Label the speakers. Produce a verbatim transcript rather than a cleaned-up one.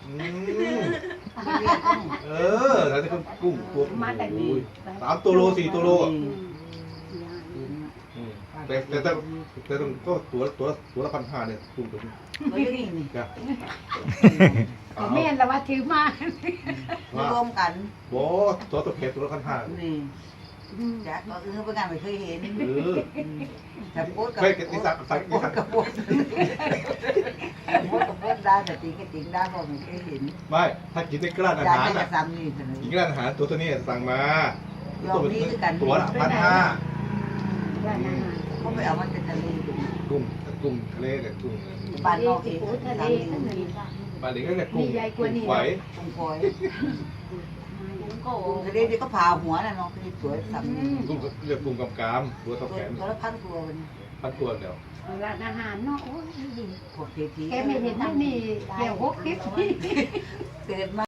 Speaker 1: เออแล้วนี่ก็กุ้งตัว
Speaker 2: มาแต่ดี
Speaker 1: สามตัวโลสี่ตัวโลแต่แต่แต่แต่ต้องก็ตัวตัวตัวละพันห้าเนี่ยกุ้งตัวนี้
Speaker 3: ก็นี่นี่
Speaker 1: จ้ะ
Speaker 2: ก็แม่นแล้วว่าถือมาร
Speaker 3: วมกัน
Speaker 1: โอ้ตัวตัวเพชรตัวละพันห้า
Speaker 3: นี่จากก็เออเป็นงานไม่เคยเห็น
Speaker 1: เออ
Speaker 3: แต่โพสกับ
Speaker 1: เคยกินสักสัก
Speaker 3: โพสกับโพสโพสกับโพสได้แต่จริงก็จริงได้เพราะไม่เคยเห็น
Speaker 1: ไม่ถ้ากินในกร้านอา
Speaker 3: จาก
Speaker 1: หาร
Speaker 3: จะ
Speaker 1: อ่ะ
Speaker 3: ซ้ำนี่เสนอ
Speaker 1: กินร้านอาหารตัวตัวนี้สั่งมา
Speaker 3: ลองนี้ด้วยกัน
Speaker 1: ตัวละพันห้า
Speaker 3: เขาไปเอามันเป็นทะเล
Speaker 1: กุ้งกุ้งทะเลกับกุ้ง
Speaker 3: บ้านนอกเอง
Speaker 2: ทะเล
Speaker 3: ทำนี่
Speaker 1: ปลาเด็กก็เรียกกุ้งกุ้งไฟ
Speaker 3: กุ้งฝอยกุ้งทะเลที่ก็ผ่าหัวน่ะน้องที่สวยซ้ำนี่
Speaker 1: กุ้งเรียกกุ้งกำกามตัวเท่าแขน
Speaker 3: ตัวละพันตัวมัน
Speaker 1: พันตัวเดียว
Speaker 2: ร้านอาหารเนาะโอ้ย
Speaker 3: พวกเทพี
Speaker 2: แกไม่เห็นที่นี่เกี่ยวหกคลิปนี่
Speaker 3: เกิดมา